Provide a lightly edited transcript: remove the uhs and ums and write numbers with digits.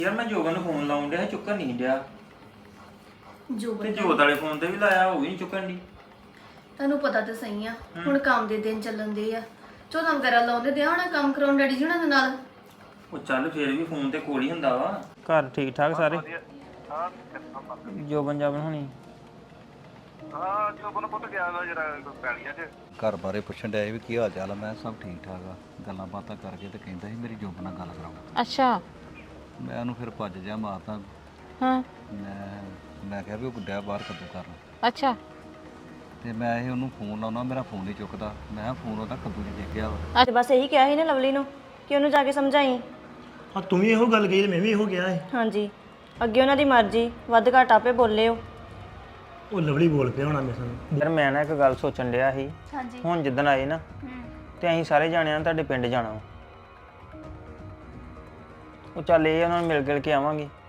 ਯਾਰ ਮੈਂ ਜੋਬਨ ਨੂੰ ਫੋਨ ਲਾਉਣ ਡਿਆ ਚੁੱਕਣ ਨਹੀਂ ਡਿਆ ਜੋਬਨ ਤੇ ਜੋਤ ਵਾਲੇ ਫੋਨ ਤੇ ਵੀ ਲਾਇਆ ਉਹ ਵੀ ਨਹੀਂ ਚੁੱਕਣ ਦੀ। ਤੁਹਾਨੂੰ ਪਤਾ ਤਾਂ ਸਹੀ ਆ ਹੁਣ ਕੰਮ ਦੇ ਦਿਨ ਚੱਲਣ ਦੇ ਆ ਚੌਥਾ ਵਗੈਰਾ ਲਾਉਂਦੇ ਦਿਆ ਹੋਣਾ ਕੰਮ ਕਰਾਉਣ ਡੈਡੀ ਜੀ ਹੁਣਾਂ ਦੇ ਨਾਲ। ਉਹ ਚੱਲ ਫੇਰ ਵੀ ਫੋਨ ਤੇ ਕੋਲ ਹੀ ਹੁੰਦਾ ਵਾ। ਘਰ ਠੀਕ ਠਾਕ ਸਾਰੇ? ਜੋਬਨ ਜਾਬਨ ਹੋਣੀ? ਹਾਂ ਜੋਬਨ ਪੁੱਤ ਗਿਆ ਨਾ ਜਰਾ ਪੈਲੀਆਂ 'ਚ ਘਰ ਬਾਰੇ ਪੁੱਛਣ ਡਿਆ ਸੀ ਵੀ ਕੀ ਹਾਲ ਚਾਲ ਆ। ਮੈਂ ਸਭ ਠੀਕ ਠਾਕ ਆ। ਗੱਲਾਂ ਬਾਤਾਂ ਕਰਕੇ ਤੇ ਕਹਿੰਦਾ ਸੀ ਮੇਰੀ ਜੋਬ ਨਾਲ ਗੱਲ ਕਰਾਓ। ਅੱਛਾ। ਮੈਂ ਉਹਨੂੰ ਫਿਰ ਭੱਜ ਜਾ ਮਾਰਤਾ। ਹਾਂ। ਮੈਂ ਕਿਹਾ ਵੀ ਉਹ ਗੁੱਡਿਆ ਬਾਹਰ ਕੱਦੂ ਕਰਨ। ਅੱਛਾ। ਤੇ ਮੈਂ ਇਹ ਉਹਨੂੰ ਫੋਨ ਲਾਉਣਾ ਮੇਰਾ ਫੋਨ ਨਹੀਂ ਚੁੱਕਦਾ। ਮੈਂ ਕਿਹਾ ਫੋਨ ਉਹਦਾ ਕੱਦੂ 'ਚ ਡਿੱਗ ਗਿਆ ਵਾ। ਅੱਜ ਬਸ ਇਹੀ ਕਿਹਾ ਸੀ ਨਾ ਲਵਲੀ ਨੂੰ ਕਿ ਉਹਨੂੰ ਜਾ ਕੇ ਸਮਝਾਈ। ਹਾਂ ਤੂੰ ਵੀ ਇਹੋ ਗੱਲ ਕਹੀ ਤੇ ਮੈਂ ਵੀ ਇਹੋ ਕਿਹਾ ਹੈ। ਹਾਂਜੀ ਅੱਗੇ ਉਹਨਾਂ ਦੀ ਮਰਜ਼ੀ ਵੱਧ ਘੱਟ ਆਪੇ ਬੋਲੇ ਉਹ ਲਵਲੀ ਬੋਲ ਪਿਆ ਹੋਣਾ ਮੇਰੇ ਸਾਹਮਣੇ। ਯਾਰ ਮੈਂ ਨਾ ਇੱਕ ਗੱਲ ਸੋਚਣ ਡਿਆ ਸੀ। ਹਾਂਜੀ ਹੁਣ ਜਿੱਦਣ ਆਏ ਨਾ ਤੇ ਅਸੀਂ ਸਾਰੇ ਜਾਣਿਆਂ ਨੇ ਤੁਹਾਡੇ ਪਿੰਡ ਜਾਣਾ ਵਾ। ਉਹ ਚੱਲ ਇਹ ਉਹਨਾਂ ਨੂੰ ਮਿਲ ਗਿਲ ਕੇ ਆਵਾਂਗੇ।